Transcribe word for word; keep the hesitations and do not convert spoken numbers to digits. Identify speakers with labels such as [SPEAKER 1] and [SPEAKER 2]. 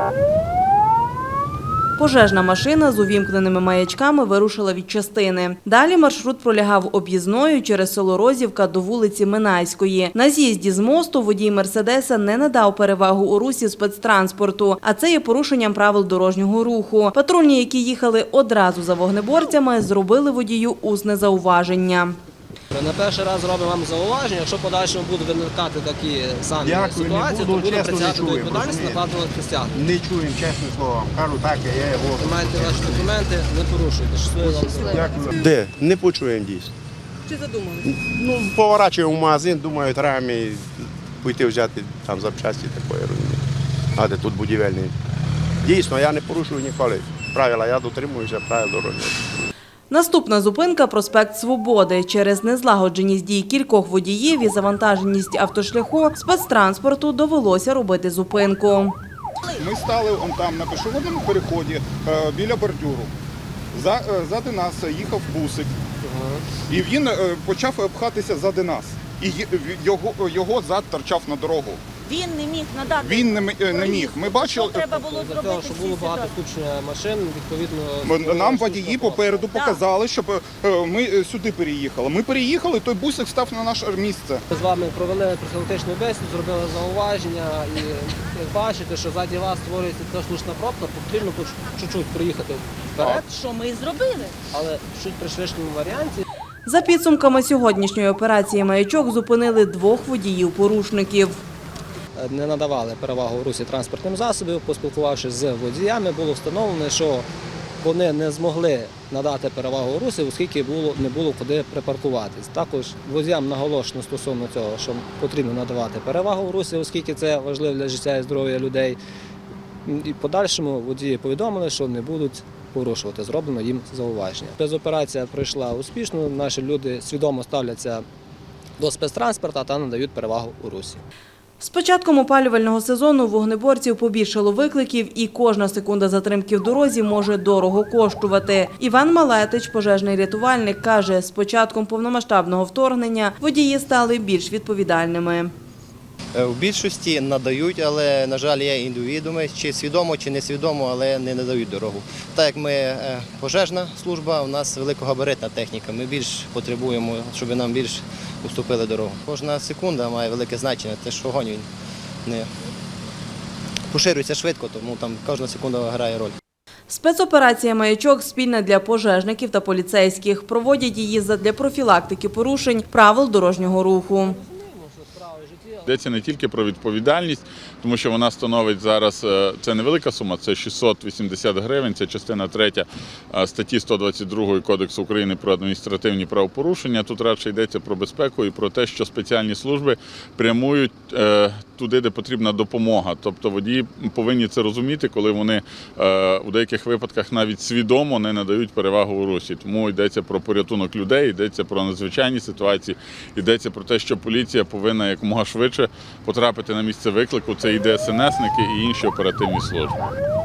[SPEAKER 1] Пожежна машина з увімкненими маячками вирушила від частини. Далі маршрут пролягав об'їзною через село Розівка до вулиці Минайської. На з'їзді з мосту водій «Мерседеса» не надав перевагу у русі спецтранспорту, а це є порушенням правил дорожнього руху. Патрульні, які їхали одразу за вогнеборцями, зробили водію усне зауваження.
[SPEAKER 2] На перший раз робимо вам зауваження, якщо в подальшому будуть виникати такі самі
[SPEAKER 3] Дякую,
[SPEAKER 2] ситуації,
[SPEAKER 3] буду,
[SPEAKER 2] то будемо
[SPEAKER 3] чесно,
[SPEAKER 2] притягати
[SPEAKER 3] не
[SPEAKER 2] до
[SPEAKER 3] чую,
[SPEAKER 2] відповідальності,
[SPEAKER 3] розумієте?
[SPEAKER 2] накладувати присягу.
[SPEAKER 3] Не чуємо, чесне слово. Кажу так, я його.
[SPEAKER 2] Маєте ваші документи, не порушуйте. Щасливо вам дороги.
[SPEAKER 3] Дякую. Де? Не почуємо дійсно.
[SPEAKER 1] Чи задумали?
[SPEAKER 3] Ну, поворачуємо в магазин, думаю, треба мені піти взяти там запчасті такої розумієте. А де тут будівельний. Дійсно, я не порушую ніколи правила, я дотримуюся правил дорожнього руху.
[SPEAKER 1] Наступна зупинка – проспект Свободи. Через незлагодженість дій кількох водіїв і завантаженість автошляху спецтранспорту довелося робити зупинку.
[SPEAKER 4] Ми стали он там на пішохідному переході е, біля бордюру. За, е, зади нас їхав бусик, і він е, почав пхатися зади нас. І й- його, його зад торчав на дорогу.
[SPEAKER 5] Він не міг надати.
[SPEAKER 4] Він не, м- е, не міг. Ми бачили,
[SPEAKER 5] Що треба було
[SPEAKER 2] Для того,
[SPEAKER 5] зробити
[SPEAKER 2] щоб
[SPEAKER 5] в
[SPEAKER 2] було
[SPEAKER 5] цій
[SPEAKER 2] багато
[SPEAKER 5] ситуації?
[SPEAKER 2] скупчення машин, відповідно...
[SPEAKER 4] нам водії попереду
[SPEAKER 5] Так.
[SPEAKER 4] показали, щоб е, ми е, сюди переїхали. Ми переїхали, той бусик став на наше місце.
[SPEAKER 2] Ми з вами провели профілактичну бесіду, зробили зауваження і як бачите, що ззаді вас створюється така слушна пробка, потрібно тут чуть-чуть приїхати вперед,
[SPEAKER 5] Що ми і зробили?
[SPEAKER 2] але чуть при швидшому варіанті.
[SPEAKER 1] За підсумками сьогоднішньої операції «Маячок» зупинили двох водіїв-порушників.
[SPEAKER 2] Не надавали перевагу в русі транспортним засобів, поспілкувавшись з водіями, було встановлено, що вони не змогли надати перевагу у русі, оскільки було, не було куди припаркуватись. Також водіям наголошено стосовно цього, що потрібно надавати перевагу в русі, оскільки це важливо для життя і здоров'я людей. І в подальшому водії повідомили, що не будуть порушувати, зроблено їм зауваження. Спецоперація пройшла успішно, наші люди свідомо ставляться до спецтранспорту та надають перевагу у русі.
[SPEAKER 1] З початком опалювального сезону вогнеборців побільшало викликів, і кожна секунда затримки в дорозі може дорого коштувати. Іван Малетич, пожежний рятувальник, каже, з початком повномасштабного вторгнення водії стали більш відповідальними.
[SPEAKER 6] В більшості надають, але, на жаль, є індивідууми, чи свідомо, чи несвідомо, але не надають дорогу. Так як ми е, пожежна служба, у нас великогабаритна техніка, ми більш потребуємо, щоб нам більш уступили дорогу. Кожна секунда має велике значення, те, що вогонь він не поширюється швидко, тому там кожна секунда грає роль.
[SPEAKER 1] Спецоперація «Маячок» спільна для пожежників та поліцейських. Проводять її задля профілактики порушень правил дорожнього руху.
[SPEAKER 7] Йдеться не тільки про відповідальність, тому що вона становить зараз, це невелика сума, це шістсот вісімдесят гривень, це частина третя статті сто двадцять два Кодексу України про адміністративні правопорушення. Тут радше йдеться про безпеку і про те, що спеціальні служби прямують туди, де потрібна допомога. Тобто водії повинні це розуміти, коли вони у деяких випадках навіть свідомо не надають перевагу у русі. Тому йдеться про порятунок людей, йдеться про надзвичайні ситуації, йдеться про те, що поліція повинна якомога швидше потрапити на місце виклику. Це і ДСНСники, і інші оперативні служби.